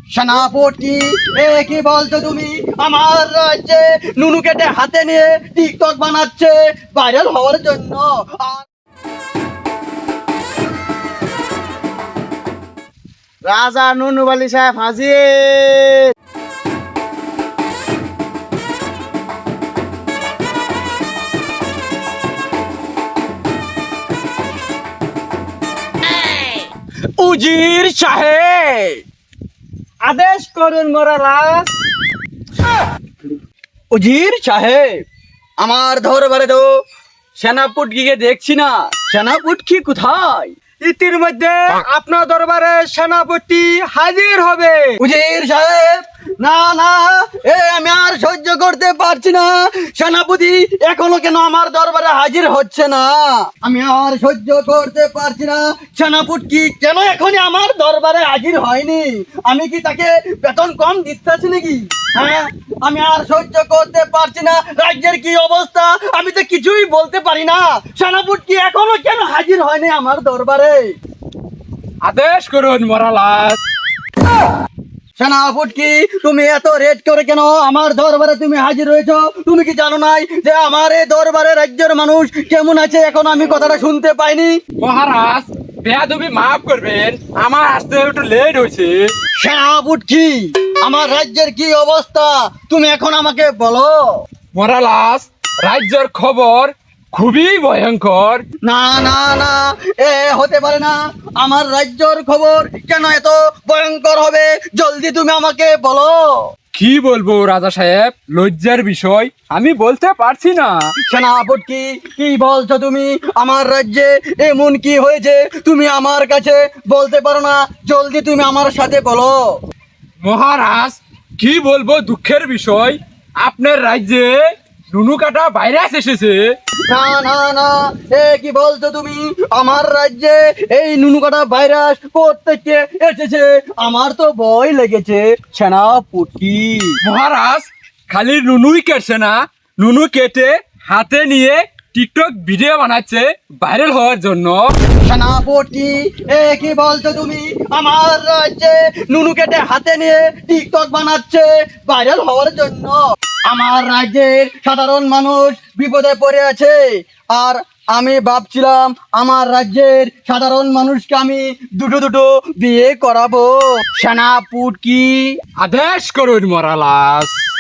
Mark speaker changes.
Speaker 1: সেনাপতি, কি বলছো তুমি? আমার রাজ্যে নুনু কেটে হাতে নিয়ে টিকটক বানাচ্ছে ভাইরাল হওয়ার জন্য।
Speaker 2: রাজা নুনু সাহেব হাজির।
Speaker 1: উজির সাহেব,
Speaker 2: আদেশ করুন মহারাজ।
Speaker 1: উজির সাহেব, আমার দরবারে তো সেনাপতিকে দেখছি না। সেনাপতি কোথায়?
Speaker 2: ইতিমধ্যে আপনার দরবারে সেনাপতি হাজির হবে।
Speaker 1: উজির সাহেব, না না, আমি আর সহ্য করতে পারছি না। সেনাপতি এখনো কেন আমার দরবারে হাজির হচ্ছে না? আমি আর সহ্য করতে পারছি না। সেনাপতি কেন এখনই আমার দরবারে হাজির হয়নি? আমি কি তাকে বেতন কম দিতেছি নাকি? হ্যাঁ, আমি আর সহ্য করতে পারছি না। রাজ্যের কি অবস্থা আমি তো কিছুই বলতে পারি না। সেনাপতি এখনো কেন হাজির হয়নি আমার দরবারে?
Speaker 3: আদেশ করুন মহারাজ।
Speaker 1: সেনাপতি, তুমি এত রেট করে কেন আমার দরবারে তুমি হাজির হয়েছো? তুমি কি জানো নাই যে আমার এই দরবারে রাজ্যের মানুষ কেমন আছে? এখন আমি কথাটা শুনতে পাইনি।
Speaker 3: মহারাজ, বেয়াদবি মাফ করবেন, আমার আসতে একটু লেট হয়েছে।
Speaker 1: সেনাপতি, আমার রাজ্যের কি অবস্থা তুমি এখন আমাকে বলো।
Speaker 3: মহারাজ, রাজ্যের খবর খুবই ভয়ঙ্কর।
Speaker 1: না না না, হতে পারে না। আমার রাজ্যর খবর কেন এত ভয়ঙ্কর হবে? জলদি তুমি আমাকে বলো।
Speaker 3: কি বলবো রাজা সাহেব, লজ্জার বিষয়, আমি বলতে পারছি না।
Speaker 1: সেনাপতি, কি বলছো তুমি? আমার রাজ্যে এমন কি হয়েছে তুমি আমার কাছে বলতে পারো না? জলদি তুমি আমার সাথে বলো।
Speaker 3: মহারাজ, কি বলবো দুঃখের বিষয়, আপনার রাজ্যে নুনু কাটা ভাইরাস এসেছে।
Speaker 1: না না না, কি বলছো তুমি? আমার রাজ্যে এই নুনুকাটা ভাইরাস কোত্থেকে এসেছে? আমার তো ভয় লেগেছে সেনাপতি।
Speaker 3: মহারাজ, খালি নুনুই কেটছে না, নুনু কেটে হাতে নিয়ে টিকটক ভিডিও বানাচ্ছে ভাইরাল হওয়ার জন্য।
Speaker 1: সেনাপতি, কি বলছো তুমি? আমার রাজ্যে নুনু কেটে হাতে নিয়ে টিকটক বানাচ্ছে ভাইরাল হওয়ার জন্য। আমার রাজ্যের সাধারণ মানুষ বিপদে পড়ে আছে, আর আমি ভাবছিলাম আমার রাজ্যের সাধারণ মানুষকে আমি দুটো দুটো বিয়ে করাবো। সেনাপতি,
Speaker 3: আদেশ করুন মহারাজ।